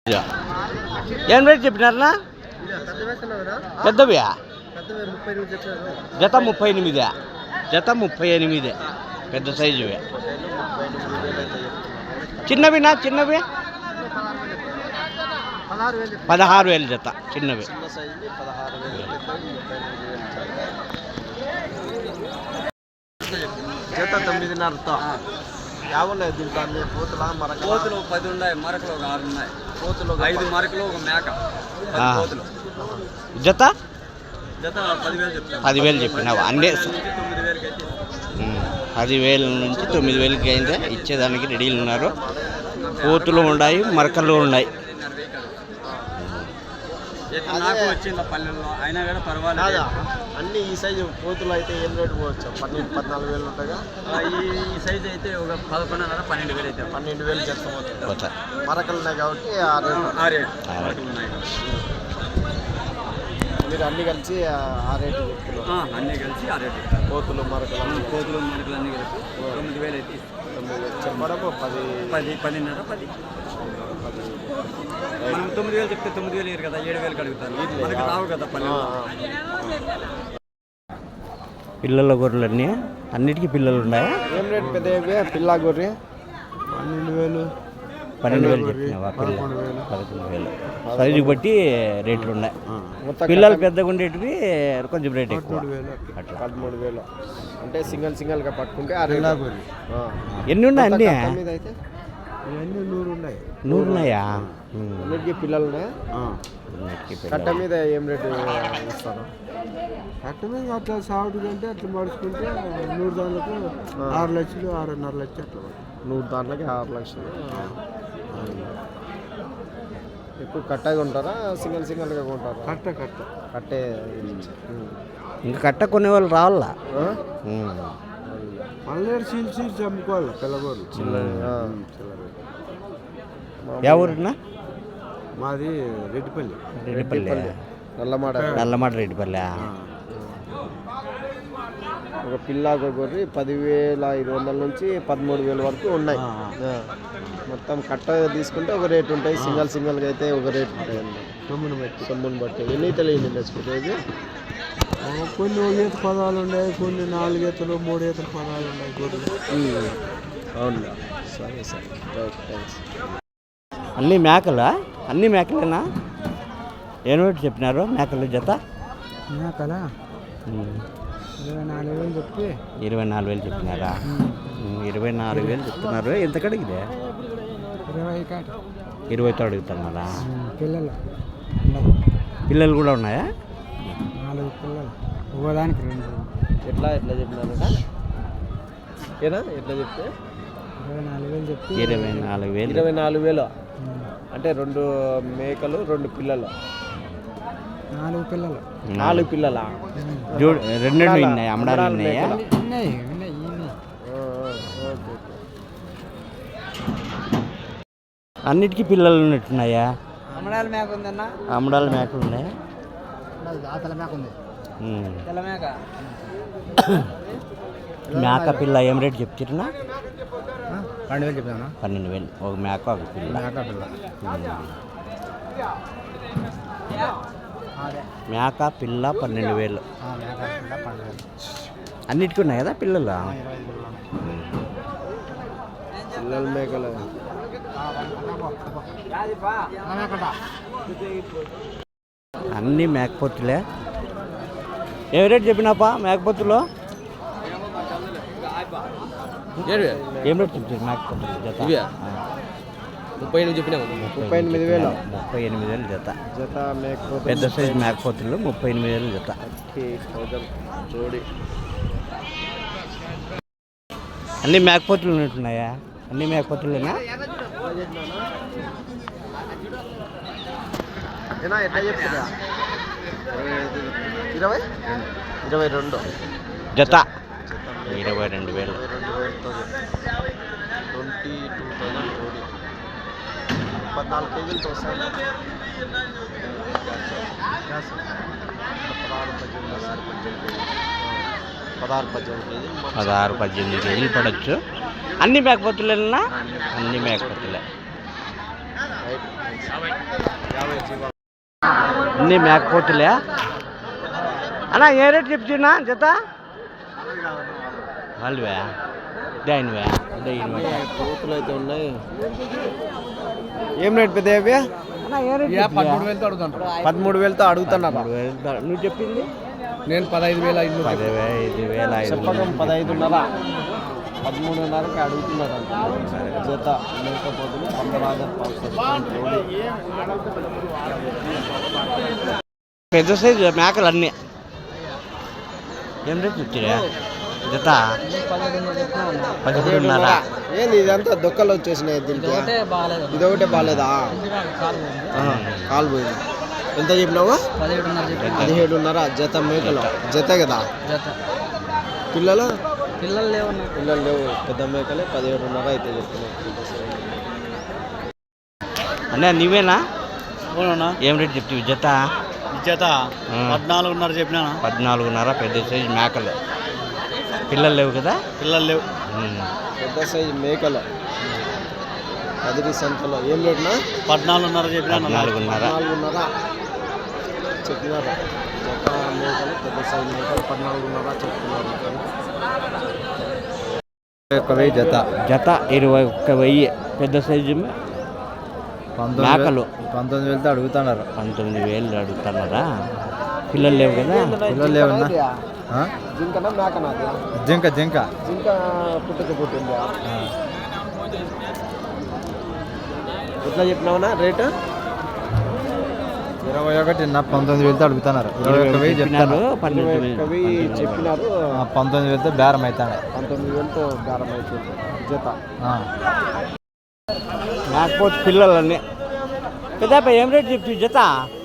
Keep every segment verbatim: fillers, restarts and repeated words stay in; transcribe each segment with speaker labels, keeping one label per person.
Speaker 1: ఏం రేట్ చెప్పినారనా? పెద్దవియా జత ముప్పై ఎనిమిది జత ముప్పై ఎనిమిది పెద్ద సైజువే. చిన్నవినా? చిన్నవి పదహారు వేలు జత చిన్నవి.
Speaker 2: జత తొమ్మిదిన్నరతో యావున్నాయి దీంట్లో కోతుల మరక
Speaker 3: కోతులు పది ఉన్నాయి, మరకలు ఒక ఆరు ఉన్నాయి. కోతులు ఐదు మరకలు ఒక మేక కోతులు.
Speaker 1: జత
Speaker 3: జత పదివేలు చెప్తాను.
Speaker 1: పదివేలు చెప్పినావు అన్నీ
Speaker 3: తొమ్మిది వేలకి అయితే
Speaker 1: పదివేల నుంచి తొమ్మిది వేలకి అయితే ఇచ్చేదానికి రెడీలు ఉన్నారు. కోతులు ఉన్నాయి, మరకలు ఉన్నాయి.
Speaker 3: నాకు వచ్చింది పల్లెల్లో అయినా కూడా పర్వాలేదు.
Speaker 2: అన్ని ఈ సైజు కోతులు అయితే ఏం రేటు పోవచ్చు? పన్నెండు పద్నాలుగు వేలు ఉంటాగా.
Speaker 3: ఈ సైజు అయితే ఒక పదకొండున్నర పన్నెండు వేలు అయితే
Speaker 2: పన్నెండు వేలు చెప్తా. మరకలు ఉన్నాయి కాబట్టి ఆ రేటు
Speaker 3: ఉన్నాయి.
Speaker 2: మీరు అన్ని కలిసి ఆ రేటు చెప్తున్నారు?
Speaker 3: అన్నీ కలిసి ఆ రేటు.
Speaker 2: కోతులు మరకలు
Speaker 3: కోతులు మరకలు అన్నీ కలిసి తొమ్మిది వేలు అయితే
Speaker 2: తొమ్మిది వేలు చెప్పడం పది
Speaker 3: పది పదిన్నర పది మనం తొమ్మిది వేలు చెప్తే తొమ్మిది వేలు ఇరు కదా, ఏడు వేలు కడుగుతాను. మనకి రావు కదా పల్లె.
Speaker 1: పిల్లల గొర్రెలన్నీ అన్నిటికీ పిల్లలు ఉన్నాయా?
Speaker 2: ఏం రేటు పెద్ద పిల్ల గొర్రె? పన్నెండు వేలు
Speaker 1: పన్నెండు వేలు చెప్పినావా? పిల్ల పదకొండు వేలు సైజు బట్టి రేట్లు ఉన్నాయి. పిల్లలు పెద్దగా ఉండేటివి కొంచెం రేట్ ఎక్కువ.
Speaker 2: అట్లా పదమూడు వేలు అంటే సింగల్ సింగల్గా పట్టుకుంటే ఆ రేట్.
Speaker 1: ఎన్ని ఉన్నాయి అన్నీ?
Speaker 2: అయితే ఇవన్నీ నూరు ఉన్నాయి.
Speaker 1: నూరు ఉన్నాయా?
Speaker 2: అన్నిటికీ పిల్లలు ఉన్నాయా? కట్ట మీద ఏం రేటు ఇస్తారు?
Speaker 4: కట్ట మీద అట్లా సాగుడు కంటే అట్లా మడుచుకుంటే నూరు దాంట్లకు ఆరు లక్షలు ఆరున్నర లక్షలు అట్లా.
Speaker 2: నూరు దాంట్లకి ఆరు లక్షలు. ఎక్కువ కట్టగా ఉంటారా సింగల్ సింగల్గా కొంటారా?
Speaker 4: కట్ట కట్ట
Speaker 2: కట్టే.
Speaker 1: ఇంకా కట్ట కొనే వాళ్ళు రావాలా?
Speaker 4: మళ్ళీ సీల్ సీల్స్ అమ్ముకోవాలి పిల్లగోళ్ళు.
Speaker 1: ఏ ఊరినా?
Speaker 4: మాది రెడ్డిపల్లి.
Speaker 1: రెడ్డిపల్లి
Speaker 2: నల్లమాట.
Speaker 1: నల్లమాట రెడ్డిపల్లి.
Speaker 2: ఒక పిల్ల గొర్రె పదివేల ఐదు వందల నుంచి పదమూడు వేల వరకు ఉన్నాయి. మొత్తం కట్ట తీసుకుంటే ఒక రేటు ఉంటాయి, సింగల్ సింగల్గా అయితే ఒక రేటు ఉంటాయి అన్నమాట.
Speaker 4: సొమ్మును బట్టి
Speaker 2: సొమ్మును బట్టి. ఎన్ని తెలియదు తెచ్చుకుంటే
Speaker 4: కొన్ని ఒక ఈత పదాలు ఉన్నాయి, కొన్ని నాలుగు ఈతలు మూడు ఈతలు పదాలు ఉన్నాయి గొర్రెలు.
Speaker 2: అవును. సరే సరే రైట్, థ్యాంక్స్.
Speaker 1: అన్నీ మేకలా? అన్నీ మేకలేనా? ఏం రేటు చెప్పినారు మేకల జత?
Speaker 4: మేకలా ఇరవై నాలుగు వేలు చెప్పి
Speaker 1: ఇరవై నాలుగు వేలు చెప్పినారా? ఇరవై నాలుగు వేలు చెప్తున్నారు. ఎంత కడిగిదే?
Speaker 4: ఇరవై కాట
Speaker 1: ఇరవైతో అడుగుతున్నారా?
Speaker 4: పిల్లలు
Speaker 1: పిల్లలు కూడా ఉన్నాయా?
Speaker 4: నాలుగు పిల్లలు ఒకదానికి రెండు.
Speaker 2: ఎట్లా ఎట్లా చెప్పినారట? ఏనా ఎట్లా చెప్తే?
Speaker 4: ఇరవై నాలుగు వేలు చెప్పి
Speaker 1: ఇరవై నాలుగు వేలు
Speaker 2: ఇరవై నాలుగు వేలు అంటే రెండు మేకలు రెండు పిల్లలు.
Speaker 4: నాలుగు పిల్లలు
Speaker 2: నాలుగు పిల్లల
Speaker 1: చూడు రెండు ఉన్నాయి. అమ్మడాలు ఉన్నాయా?
Speaker 4: ఉన్నాయి ఉన్నాయి
Speaker 1: అన్నిటికీ పిల్లలు ఉన్నట్టున్నాయా?
Speaker 4: అమ్మడాల మేక ఉందన్న.
Speaker 1: అమ్మడాల మేకలు ఉన్నాయా?
Speaker 4: తెల్ల మేక ఉంది. తెల్ల మేక
Speaker 1: మేక పిల్ల ఏం రేటు చెప్తున్నా?
Speaker 4: పన్నెండు వేలు చెప్తాను.
Speaker 1: పన్నెండు వేలు ఒక మేక ఒక పిల్ల.
Speaker 4: మేక పిల్ల
Speaker 1: మేక పిల్ల పన్నెండు వేలు.
Speaker 4: మేక పిల్ల పన్నెండు వేలు.
Speaker 1: అన్నిటికీ ఉన్నాయి కదా పిల్లలు?
Speaker 2: పిల్లల మేకలు.
Speaker 1: అన్నీ మేకపోతులే. ఏ రేటు చెప్పినాపా మేకపోతులు? ఏం రేటు చెప్తారు మేకపోతులు జత?
Speaker 2: ముప్పై ఎనిమిది చెప్పినాము. ముప్పై ఎనిమిది వేలు
Speaker 1: ముప్పై ఎనిమిది వేలు జత.
Speaker 2: జత మేకపోతే
Speaker 1: పెద్ద సైజు మేకపోతులు ముప్పై ఎనిమిది వేలు జత.
Speaker 2: జోడి.
Speaker 1: అన్నీ మేకపోతులు ఉన్నట్టున్నాయా? అన్నీ మేకపోతులేనా?
Speaker 2: ఎట్లా చెప్తుందా? ఇరవై ఇరవై రెండు
Speaker 1: జత ఇరవై రెండు వేలు.
Speaker 2: ట్వంటీ టూ థౌసండ్ జోడి. పద్నాలుగు కేజీలతో వస్తాయి. పదహారు పద్దెనిమిది కేజీలు
Speaker 1: పదహారు పద్దెనిమిది కేజీలు పడవచ్చు. అన్ని మేకపోతులేనా? అన్ని మేకపోతులే. అన్నీ మేకపోతులే అన్నా ఏ రేట్ చెప్తున్నా జత వాళ్ళవే దానివే
Speaker 2: కోతులు అయితే ఉన్నాయి. ఏం రేట్ పెద్ద అవి?
Speaker 4: పదమూడు వేలతో అడుగుతాను.
Speaker 2: పదమూడు వేలతో అడుగుతున్నారు.
Speaker 1: నువ్వు చెప్పింది
Speaker 4: నేను పదహైదు వేల ఐదు
Speaker 1: పదిహేను వేల ఐదు
Speaker 2: చెప్పకం పదహైదున్నర పదమూడున్నరకి అడుగుతున్నారు అంట జత మేకపోతులు పందరాజర్
Speaker 1: పెద్ద సైజు మేకలు అన్నీ ఏం రేట్ చెప్తున్నా జత పదిహేడున్నర.
Speaker 2: ఏంది ఇదంతా దొక్కలు వచ్చేసినాయి దీనికి? ఇదొకటే బాగాలేదా? కాలు పోయింది. ఎంత చెప్పినావా? పదిహేడున్నర జత మేకలు. జత కదా? పిల్లలు
Speaker 3: పిల్లలు లేవు
Speaker 2: పిల్లలు లేవు. పెద్ద మేకలే పదిహేడున్నర అయితే చెప్తున్నావు.
Speaker 1: అన్నా నీవేనా? ఏం రేట్ చెప్తావు జత?
Speaker 3: జత పద్నాలుగున్నర చెప్పినా.
Speaker 1: పద్నాలుగున్నర పెద్ద సైజు మేకలు. పిల్లలు లేవు కదా?
Speaker 3: పిల్లలు లేవు.
Speaker 2: పెద్ద సైజు మేకలు కదిరి సంతలో ఏం రేటునా?
Speaker 3: పద్నాలుగున్నర చెప్పినా.
Speaker 1: నాలుగున్నర
Speaker 2: పద్నాలుగున్నర చెప్పినారు. జత మేకలు పెద్ద సైజు మేకలు పద్నాలుగున్నర చెప్తున్నారు.
Speaker 4: ఒక వెయ్యి జత.
Speaker 1: జత ఇరవై ఒక్క వెయ్యి పెద్ద సైజు మేకలు.
Speaker 4: పంతొమ్మిది వేలతో అడుగుతున్నారు.
Speaker 1: పంతొమ్మిది వేలు అడుగుతున్నారా? పిల్లలు లేవు కదా?
Speaker 4: పిల్లలు లేవన్నా.
Speaker 2: జింకనా మేకనా?
Speaker 4: జింక జింక
Speaker 2: జింక పుట్టుకు పుట్టింది. ఎట్లా చెప్పినావునా రేటు?
Speaker 4: ఇరవై ఒకటి నా పంతొమ్మిది వేలతో అడుగుతున్నారు. ఇరవై ఒక్క వెయ్యి చెప్తారు.
Speaker 2: ఇరవై ఒక్క వెయ్యి చెప్పినారు.
Speaker 4: పంతొమ్మిది వేలతో బేరం అవుతాయి.
Speaker 2: పంతొమ్మిది వేలతో బేరం అవుతుంది జత.
Speaker 1: మేకపోతే పిల్లలన్నీ పెద్ద ఏం రేట్ చెప్తావు జత?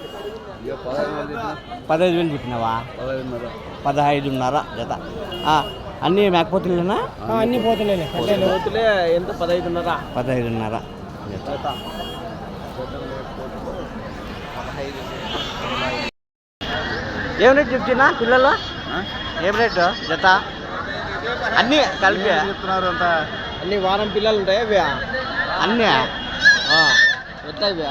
Speaker 1: పదహైదు వేలు చెప్పినావా? పదహైదున్నర జత. అన్నీ మేకపోతులేనా?
Speaker 2: అన్ని పోతులే. పోతులే ఎంత? పదహైదున్నర.
Speaker 1: పదహైదున్నర
Speaker 2: జత.
Speaker 1: ఏం రేట్ చెప్తున్నా పిల్లలు? ఏం రేటు జత? అన్నీ కలిపి
Speaker 2: చెప్తున్నారు అంత. అన్ని వారం పిల్లలు ఉంటాయి అవి
Speaker 1: అన్నీ
Speaker 2: ఎట్లా ఇవి?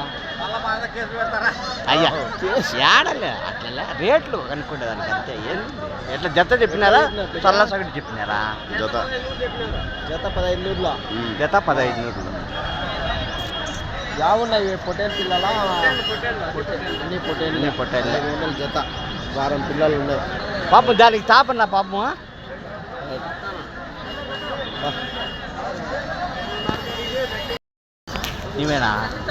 Speaker 1: అయ్యా ఏడలే అట్లా రేట్లు కనుక్కుంటే దానికి అంతే. ఏం ఎట్లా జత చెప్పినారా? చల్ల సగటు చెప్పినారా?
Speaker 2: జత జత పదహైదు నూరులో.
Speaker 1: జత పదహైదు నూరులు.
Speaker 2: యావున్నాయి పొట్టేలు పిల్లల? అన్ని పొట్టేలు.
Speaker 1: పొట్టేలు
Speaker 2: ఐదు వందల జత. వారం పిల్లలు ఉన్నాయి.
Speaker 1: పాపం దానికి తాపన్నా పాపం. నీవేనా?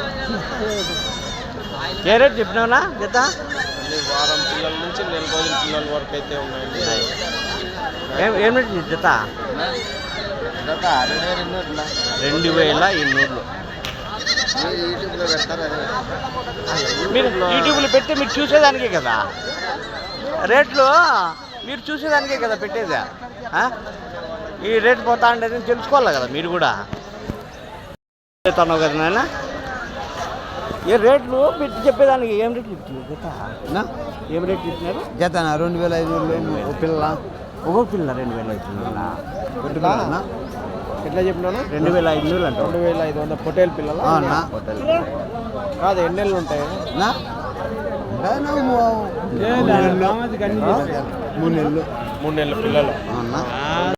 Speaker 1: ఏ రేట్ చెప్పినావునా జత?
Speaker 2: అన్ని వారం పిల్లల నుంచి నెల రోజుల పిల్లల వరకు అయితే ఉన్నాయండి.
Speaker 1: ఏం ఏం రేట్ జత?
Speaker 2: జత రెండు వేల ఎన్నూరులా.
Speaker 1: రెండు వేల ఎన్నూరులు.
Speaker 2: యూట్యూబ్లో పెడతారు అదే.
Speaker 1: మీరు యూట్యూబ్లో పెడితే మీరు చూసేదానికే కదా రేట్లు. మీరు చూసేదానికే కదా పెట్టేది. ఈ రేట్ పోతా ఉండేది తెలుసుకోవాలి కదా మీరు కూడా. చెప్తాను కదా నాయన. ఏ రేట్లు పెట్టి చెప్పేదానికి ఏం రేట్లు చెప్తున్నారు జత? ఏం రేట్ చెప్తున్నారు
Speaker 4: జత? రెండు వేల ఐదు వేలు పిల్ల.
Speaker 1: ఒక్కొక్క పిల్ల రెండు వేల ఐదు వందల.
Speaker 2: ఎట్లా చెప్పినాను?
Speaker 1: రెండు వేల ఐదు వందలు అంట.
Speaker 2: రెండు వేల ఐదు వందల పొట్టేలు పిల్లలు కాదు. ఎన్ని నెలలు ఉంటాయి?
Speaker 4: మూడు నెలలు
Speaker 2: మూడు నెలలు పిల్లలు.